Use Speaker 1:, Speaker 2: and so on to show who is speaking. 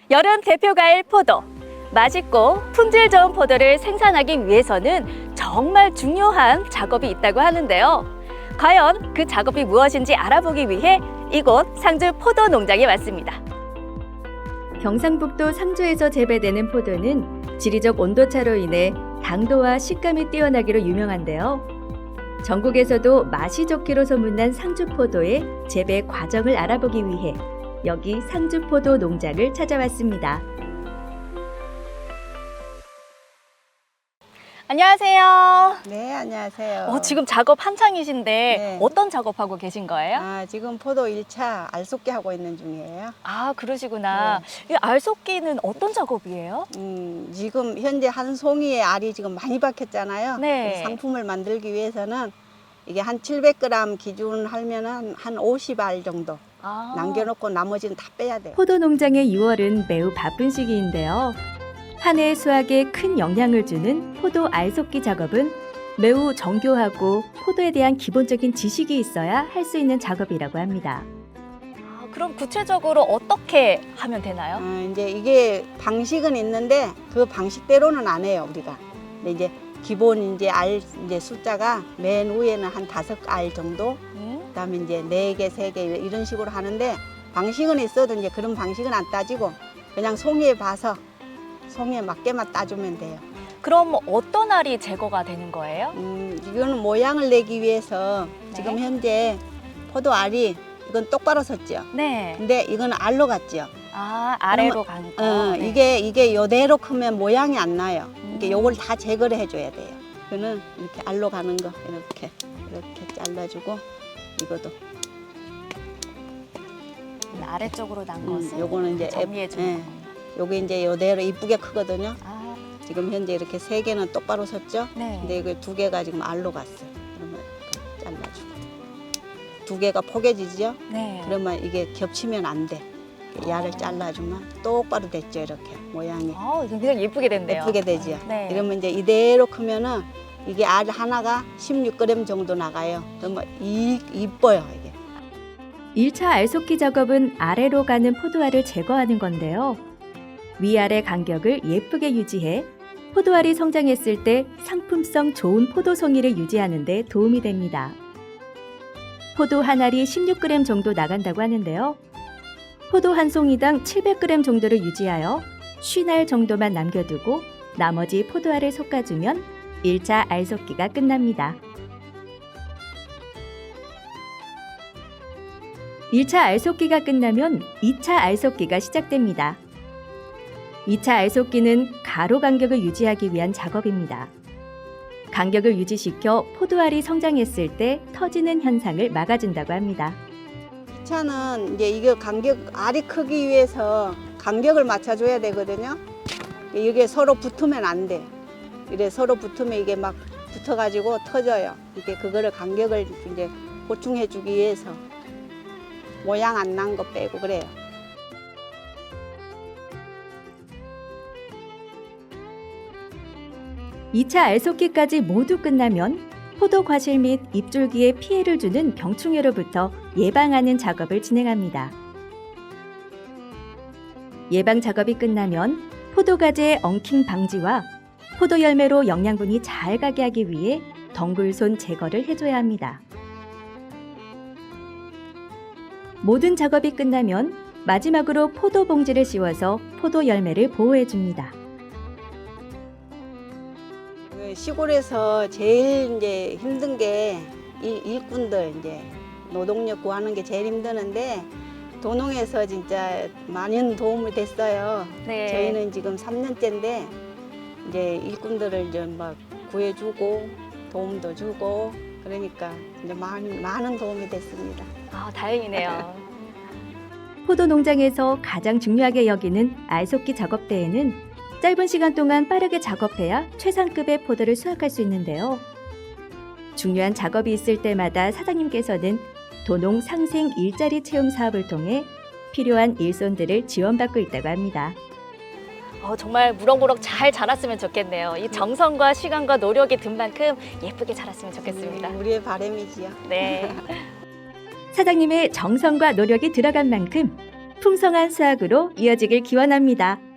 Speaker 1: 여름 대표 과일 포도. 맛있고 품질 좋은 포도를 생산하기 위해서는 정말 중요한 작업이 있다고 하는데요. 과연 그 작업이 무엇인지 알아보기 위해 이곳 상주 포도 농장에 왔습니다. 경상북도 상주에서 재배되는 포도는 지리적 온도차로 인해 당도와 식감이 뛰어나기로 유명한데요. 전국에서도 맛이 좋기로 소문난 상주 포도의 재배 과정을 알아보기 위해 여기 상주 포도 농장을 찾아왔습니다. 안녕하세요.
Speaker 2: 네, 안녕하세요.
Speaker 1: 지금 작업 한창이신데
Speaker 2: 네.
Speaker 1: 어떤 작업하고 계신 거예요?
Speaker 2: 지금 포도 1차 알속기 하고 있는 중이에요.
Speaker 1: 그러시구나. 이 알속기는 어떤 작업이에요?
Speaker 2: 지금 현재 한 송이의 알이 지금 많이 박혔잖아요.
Speaker 1: 네.
Speaker 2: 그래서 상품을 만들기 위해서는 이게 한 700g 기준 하면은 한 50알 정도 남겨놓고 나머지는 다 빼야 돼요.
Speaker 1: 포도 농장의 6월은 매우 바쁜 시기인데요. 한 해의 수확에 큰 영향을 주는 포도 알속기 작업은 매우 정교하고 포도에 대한 기본적인 지식이 있어야 할 수 있는 작업이라고 합니다. 그럼 구체적으로 어떻게 하면 되나요?
Speaker 2: 이제 이게 방식은 있는데 그 방식대로는 안 해요, 우리가. 근데 이제 기본 이제 알 이제 숫자가 맨 위에는 한 5알 정도, 그다음에 이제 4개, 3개 이런 식으로 하는데 방식은 있어도 이제 그런 방식은 안 따지고 그냥 송이에 봐서 송이에 맞게만 따주면 돼요.
Speaker 1: 그럼 어떤 알이 제거가 되는 거예요?
Speaker 2: 이거는 모양을 내기 위해서 지금 현재 포도 알이 이건 똑바로 섰죠.
Speaker 1: 네.
Speaker 2: 근데 이건 알로 갔죠.
Speaker 1: 아래로 간 거. 네.
Speaker 2: 이게 요대로 크면 모양이 안 나요. 이게 요걸 다 제거를 해줘야 돼요. 이거는 이렇게 알로 가는 거 이렇게 잘라주고 이것도.
Speaker 1: 아래쪽으로 난 것은
Speaker 2: 요거는 이제
Speaker 1: 정리해 주는 거.
Speaker 2: 요게 이제 요대로 이쁘게 크거든요. 지금 현재 이렇게 3개는 똑바로 섰죠.
Speaker 1: 네.
Speaker 2: 근데 이거 2개가 지금 알로 갔어요. 그러면 잘라주고 2개가 포개지죠.
Speaker 1: 네.
Speaker 2: 그러면 이게 겹치면 안 돼. 야를 잘라주면 똑바로 됐죠. 이렇게 모양이
Speaker 1: 굉장히 예쁘게 됐네요.
Speaker 2: 예쁘게 되죠.
Speaker 1: 네.
Speaker 2: 이러면 이제 이대로 크면은 이게 알 하나가 16g 정도 나가요. 그러면 이뻐요 이게.
Speaker 1: 1차 알속기 작업은 아래로 가는 포도알을 제거하는 건데요. 위아래 간격을 예쁘게 유지해 포도알이 성장했을 때 상품성 좋은 포도송이를 유지하는 데 도움이 됩니다. 포도 한 알이 16g 정도 나간다고 하는데요. 포도 한 송이당 700g 정도를 유지하여 50알 정도만 남겨두고 나머지 포도알을 솎아주면 1차 알속기가 끝납니다. 1차 알속기가 끝나면 2차 알속기가 시작됩니다. 2차 알속기는 가로 간격을 유지하기 위한 작업입니다. 간격을 유지시켜 포도알이 성장했을 때 터지는 현상을 막아준다고 합니다.
Speaker 2: 2차는 이제 이거 알이 크기 위해서 간격을 맞춰줘야 되거든요. 이게 서로 붙으면 안 돼. 이래 서로 붙으면 이게 막 붙어가지고 터져요. 이게 그거를 간격을 이제 보충해주기 위해서 모양 안 난 거 빼고 그래요.
Speaker 1: 2차 알속기까지 모두 끝나면 포도 과실 및 잎줄기에 피해를 주는 병충해로부터 예방하는 작업을 진행합니다. 예방 작업이 끝나면 포도 가지의 엉킴 방지와 포도 열매로 영양분이 잘 가게 하기 위해 덩굴손 제거를 해줘야 합니다. 모든 작업이 끝나면 마지막으로 포도 봉지를 씌워서 포도 열매를 보호해 줍니다.
Speaker 2: 시골에서 제일 이제 힘든 게 일꾼들 이제 노동력 구하는 게 제일 힘드는데 도농에서 진짜 많은 도움이 됐어요.
Speaker 1: 네.
Speaker 2: 저희는 지금 3년째인데 이제 일꾼들을 이제 막 구해주고 도움도 주고 그러니까 이제 많은 도움이 됐습니다.
Speaker 1: 다행이네요. 포도 농장에서 가장 중요하게 여기는 알속기 작업 때에는 짧은 시간 동안 빠르게 작업해야 최상급의 포도를 수확할 수 있는데요. 중요한 작업이 있을 때마다 사장님께서는 도농 상생 일자리 체험 사업을 통해 필요한 일손들을 지원받고 있다고 합니다. 정말 무럭무럭 잘 자랐으면 좋겠네요. 이 정성과 시간과 노력이 든 만큼 예쁘게 자랐으면 좋겠습니다.
Speaker 2: 우리의 바람이지요.
Speaker 1: 네. 사장님의 정성과 노력이 들어간 만큼 풍성한 수확으로 이어지길 기원합니다.